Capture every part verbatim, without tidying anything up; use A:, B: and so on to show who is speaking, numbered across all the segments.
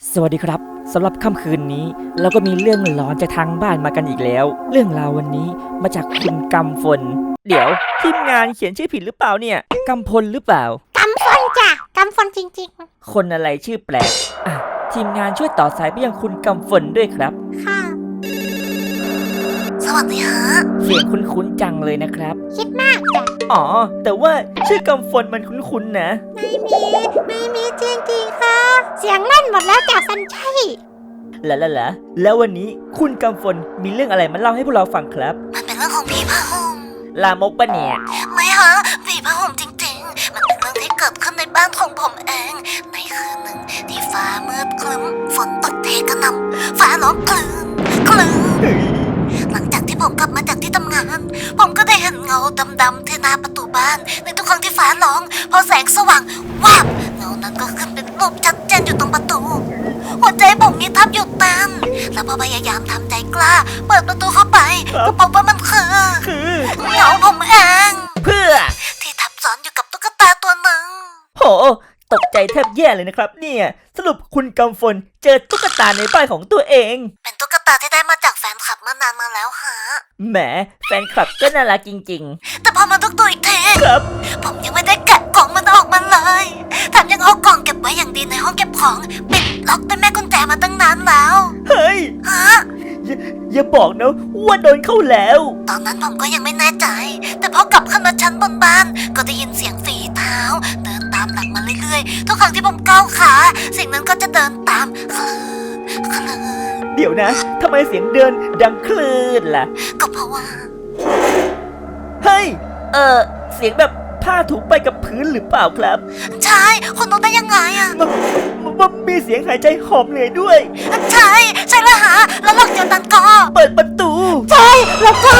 A: สวัสดีครับสำหรับค่ำคืนนี้เราก็มีเรื่องหลอนจากทางบ้านมากันอีกแล้วเรื่องราววันนี้มาจากคุณกำฝนเดี๋ยวทีมงานเขียนชื่อผิดหรือเปล่าเนี่ยกำพลหรือเปล่าก
B: ำฝนจ้ะกำฝนจริง
A: ๆคนอะไรชื่อแปลกอ่ะทีมงานช่วยต่อสายไปยังคุณกำฝนด้วยครับ
B: ค่ะสวัสดีฮะ
A: เสียงคุ้นๆจังเลยนะครับ
B: คิดมากจ้ะ
A: อ๋อแต่ว่าชื่อกำฝนมันคุ้นๆนะ
B: ไม่มีไม่มีจริงๆค่ะเสียงเล่นหมดแล้วจ้ะสันชัย
A: ละละละแล้ววันนี้คุณกำฝนมีเรื่องอะไรมาเล่าให้พวกเราฟังครับ
B: มันเป็นเรื่องของผีผ้าห่ม
A: ลามกปะเนี่ย
B: ไม่ฮะผีผ้าห่มจริงๆมันเป็นเรื่องที่เกิดขึ้นในบ้านของผมเองในคืนหนึ่งที่ฟ้ามืดครึ้มฝนตกเทกระหน่ำฟ้าร้องคลื่นคลื่นหลังจากที่ผมกลับมาจากที่ทำงานผมก็ได้เห็นเงาดำๆที่หน้าประตูบ้านในทุกครั้งที่ฟ้าร้องพอแสงสว่างวาบเงานั้นก็ขึ้นเป็นรูปชัดเจนอยู่ตรงประตูหัวใจผมนี่ทับหยุดเต้นแล้วพอพยายามทำใจกล้าเปิดประตูเข้าไปก็พบว่ามันคือเงาผมเอง
A: เพื่อ
B: ที่ทับซ้อนอยู่กับตุ๊กตาตัวหนึ่ง
A: โหตกใจแทบแย่เลยนะครับเนี่ยสรุปคุณกำฝนเจอตุ๊กตาในบ้านของตัวเอง
B: เป็นตุ๊กตาที่ได้มาจากแฟนคลับเมื่อนานมาแล้วฮะ
A: แหมแฟนคลับก็น่ารักจริง
B: ๆแต่พอมาทุกตัวอีกที
A: ครับ
B: ผมยังไม่ได้แกะกล่องมันออกมาเลยแถมยังเอากล่องเก็บไว้อย่างดีในห้องเก็บของปิดล็อกด้วยแม่กุญแจมาตั้งนานแล้ว
A: เฮ้ย
B: ฮะ
A: อย่าอย่าบอกนะว่าโดนเข้าแล้ว
B: ตอนนั้นผมก็ยังไม่แน่ใจแต่พอกลับขึ้นมาชั้นบนบ้านก็ได้ยินเสียงฝีเท้าเดินตามหลังมาเรื่อยๆทุกครั้งที่ผมก้าวขาสิ่งนั้นก็จะเดินตามคลื่นคลื่น
A: เดี๋ยวนะทำไมเสียงเดินดังคลื่นล่ะ
B: ก็เพราะว่า
A: เฮ้ยเออเสียงแบบผ้าถูไปกับพื้นหรือเปล่าครับ
B: ใช่คุณรู้ได้ยังไงอะ
A: มันมีเสียงหายใจหอบเหนื่อยด้วย
B: ใช่ใช่แล้วฮะแล้วหลังจากนั้นก็
A: เปิดประตู
B: ใช่แล้วก็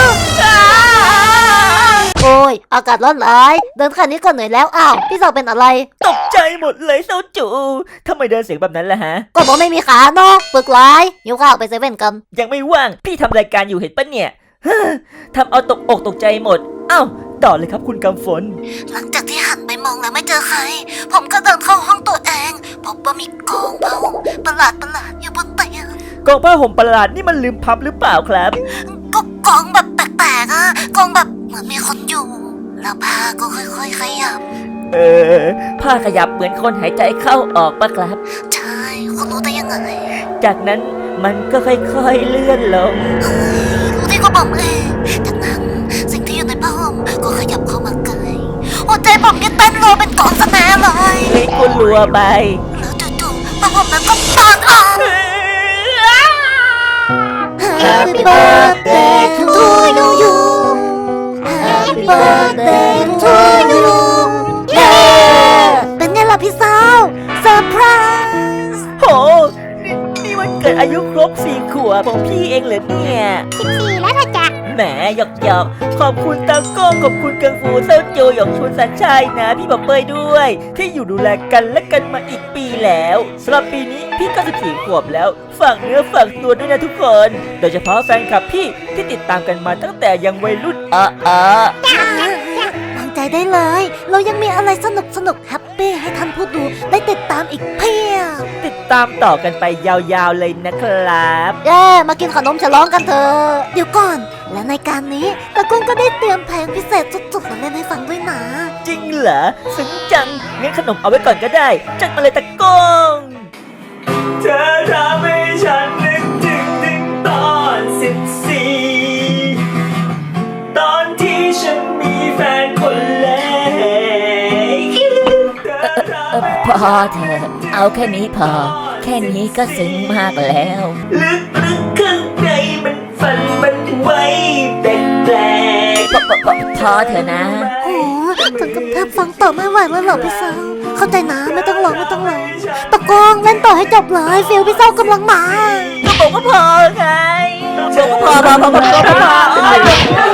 B: โอ้ยอากาศร้อนหลายเดินแค่นี้ก็เหนื่อยแล้วอ้าวพี่สาวเป็นอะไร
A: ตกใจหมดเลยเซาจูทำไมเดินเสียงแบบนั้นล่ะฮะ
B: ก็บอกไม่มีขาเนาะปึกร้ายหิวข้าวไปเซเว่นกัน
A: ยังไม่ว่างพี่ทำรายการอยู่เห็นปะเนี่ยทำเอาตกอกตกใจหมดเอ้าต่อเลยครับคุณกำฝน
B: หลังจากที่หันไปมองแล้วไม่เจอใครผมก็เดินเข้าห้องตัวเองพบว่ามีกองผ้าห่มประหลาดประหลาดอยู่บนเตียง
A: กองผ้าห่มประหลาดนี่มันลืมพับหรือเปล่าครับ
B: ก็กองแบบแปลกๆอะกองแบบเหมือนมีคนอยู่แล้วผ้าก็ค่อยๆขยับ
A: เออผ้าขยับเหมือนคนหายใจเข้าออกปะครับ
B: ใช่คุณรู้ได้ยังไง
A: จากนั้นมันก็ค่อยๆเลื่อนลง
B: รู้ที่ก็บอกเองจากนั้นสิ่งที่อยู่ในผ้าห่มก็ขยับเข้ามาใกล้หัวใจผมนี่เต้นรัวเป็นกองสแนเลย
A: เฮ้ยกูรัวไป
B: แล้วจู่ๆผ้าห่มนั้นก็เปิดออก Happy birthday to you Happy birthday to you Yeah เป็นไงล่ะพี่สาวเซอร์ไพรส์
A: โหนี่นี่วันเกิดอายุครบสี่ขวบของพี่เองเหรอเนี่ย
B: สิบสี่แล้วนะจ๊ะ
A: แหมหยอกหยอกขอบคุณตาโก้ขอบคุณกังฟูเซาโจหยองชุนสันชัยนะพี่บอกเปยด้วยที่อยู่ดูแลกันและกันมาอีกปีแล้วสำหรับปีนี้พี่ก็สิบสี่ขวบแล้วฝากเนื้อฝากตัวด้วยนะทุกคนโดยเฉพาะแฟนคลับพี่ที่ติดตามกันมาตั้งแต่ยังวัยรุ่นอ่ะอ่ะ
B: วางใจได้เลยเรายังมีอะไรสนุกสนุกแฮปปี้ให้ท่านผู้ดูได้ติดตามอีกเพียบ
A: ติดตามต่อกันไปยาวๆเลยนะครับ
B: เย้มากินขนมฉลองกันเถอะเดี๋ยวก่อนและในการนี้ตะกุ้งก็ได้เตรียมเพลงพิเศษสุดๆมาเล่นให้ฟังด้วยนะ
A: จริงเหรอซึ้งจังงั้นขนมเอาไว้ก่อนก็ได้จัดมาเลยตะกุ้งเธอทำให้ฉันนึกถึงถึงตอนสิบสี่ตอนที่ฉันมีแฟนคนแรกพอเถอะเอาแค่นี้พอแค่นี้ก็ซึ้งมากแล้วลึกลึกข้างในมันฝันมันไว้แปลกๆพอเถอะนะ
B: โอ้ถึงกับแทบฟังต่อไม่ไหวแล้วเหรอพี่สาวเข้าใจนะไม่ต้องร้องไม่ต้องร้องตะกงเล่นต่อให้จบเลยฟิลพี่สาวกำลังมา
A: ก็บอกว่าพอไงบอกว่าพอพอพอพอพอ